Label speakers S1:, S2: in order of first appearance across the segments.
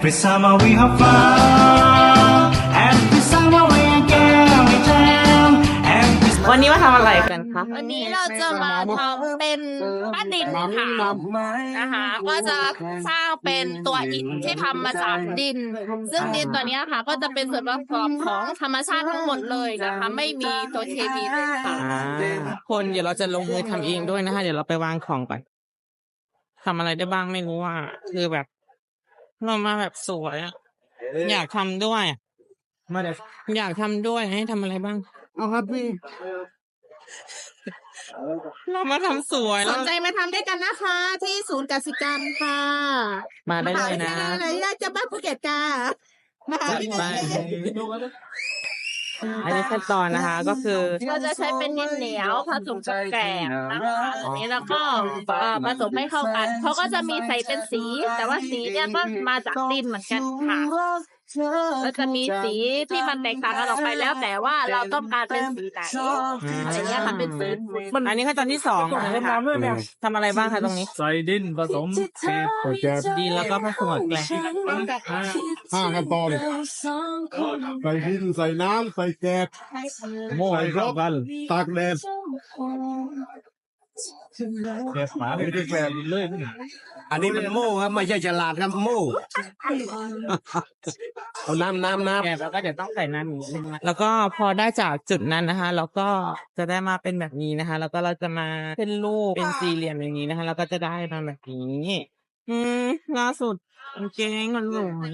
S1: Every summer we have fun. Every summer we again we jam. Every
S2: วันนี้มาทำอะไรกันคะ
S3: วันนี้เราจะมาทำเป็นบ้านดินค่ะนะคะก็จะสร้างเป็นตัวอิฐที่ทำมาจากดิน ซึ่งดินตัวนี้ค่ะก็จะเป็นส่วนประกอบของธรรมชาติทั้งหมดเลยนะคะไม่มีตัวเคมีเลยค่ะ
S2: คนเดี๋ยวเราจะลงมือทำเองด้วยนะคะเดี๋ยวเราไปวางของก่อนทำอะไรได้บ้างไม่รู้ว่าคือแบบเรามาแบบสวยอะอยากทำด้วยอยากทำด้วยให้ทำอะไรบ้างเอาครับพี่เรามาทำสวย
S3: สนใจมาทำด้วยกันนะคะ ที่ศูนย์กสิกรรมค่ะ
S2: มาได้เลยนะ
S3: อยากจะบ้านภูเก็ตค่ะมาหาพี่
S2: ไปอันนี้ขั้นตอนนะคะก็คือ
S3: ก็จะใช้เป็นดินเหนียวผสมกับแกบนะคะอันนี้แล้วก็ผสมให้เข้ากันเขาก็จะมีใส่เป็นสี แต่ว่าสีเนี่ยก็มาจากดินเหมือนกันค่ะก็จะมีสีที่มันแตกต่างกันออกไปแล้ว แต่ว่าเราต้องการเป็นสีไหนอะไรเงี้ยค่ะเป็นสี
S2: อันนี้ขั้นตอนที่สองนะคะทำอะไรบ้างคะตรงนี้
S4: ใส่ดินผสมแกบ
S2: ดีแล้วก็ผสมกับแกลบ
S4: ห้าขั้นตอนใส่ดินใส่น้ำใส่แกบโม่ให้รอบกันตากแดดแกบหมาไม่ได้แกบเลย
S5: อันนี้เป็นโม่ครับไม่ใช่ฉลาดครับโม่เอาน้ำ
S2: แกลบแล้วก็เดี๋ยวต้องใส่น้ำอีกแล้วก็พอได้จากจุดนั้นนะคะเราก็จะได้มาเป็นแบบนี้นะคะ แล้วก็เราจะมาเป็นรูปเป็นสี่เหลี่ยมอย่างนี้นะคะแล้วก็จะได้มาแบบนี้ล่าสุดกางเกงมันสวย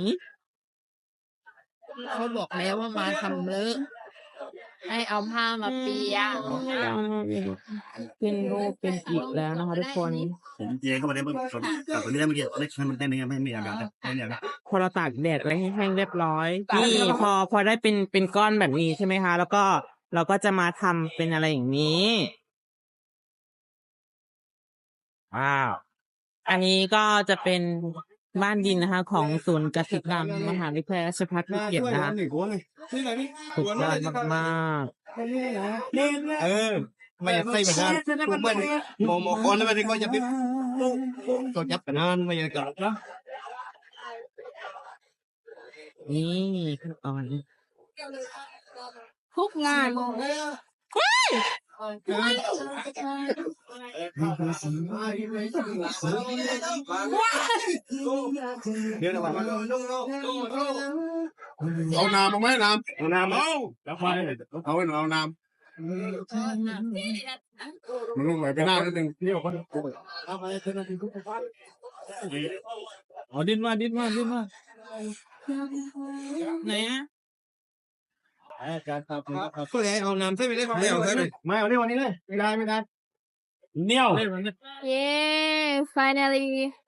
S3: เขาบอกแล้วว่ามาทำเลอะให้เอาผ้ามาเปียก
S2: เป็นรูปเป็นอีกแล้วนะคะทุกคน
S5: ผมเจ๊เข้ามาได้เมื่อกี้แต่ตัวนี้ได้เมื่อกี้เล็กมันเต้นไม่มีอาการไม่มีอาการ
S2: พอเราตากแดดไว้ให้แห้งเรียบร้อยนี่พอได้เป็นก้อนแบบนี้ใช่ไหมคะ แล้วก็เราก็จะมาทำเป็นอะไรอย่างนี้ว้าวอันนี้ก็จะเป็นบ้านดินนะคะ ของศูนย์กสิกรรมมหาวิทยาลัยราชภัฏภูเก็ตนะคะสุดยอดมากๆ
S5: ไม่อยากใส่เหมือนกันทุกบ้านโมคนแล้วมันก็จะเป็นก็จับกันนั่นไม่อยากจับนะ
S2: นี่ขั้นตอน
S3: ทุกงาน
S5: เดี๋ยวนะวัน
S4: เอาน้ำเอาไหมน้ำ
S5: เอาน้ำเอาแล้วไป
S4: เอาไว้เอาน้ำมันลงไหลไปหน้านิดนึงเที่ยวคน
S2: อ๋อดินมาไหนอะ
S5: การครับก็เลยเอาน้ำใส่ไปได้ไม่เอาใส่ไปไม่เอาได้วันนี้เลยไม่ได้เนี่ย
S3: เย้ finally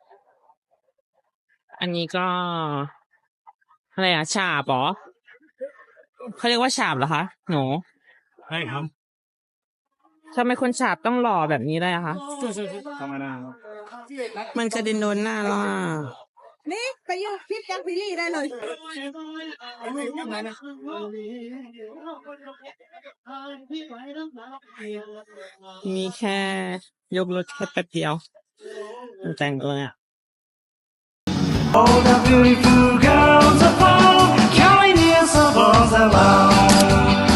S2: อันนี้ก็อะไรอะฉาบเหรอเขาเรียกว่าฉาบเหรอคะหนู
S4: ใช่ครับ
S2: ทำไมคนฉาบต้องหล่อแบบนี้ได้อะคะ
S4: ธรรมดา
S2: มันกระเด็นโดนหน้าเราอะ
S3: นี่ไปยืนพิษยังพิลี่ได้เลย
S2: มีแค่ยกรถแค่แป๊บเดียวมันแต่งเลยอะ
S1: all the beautiful girls above, carrying their souls along.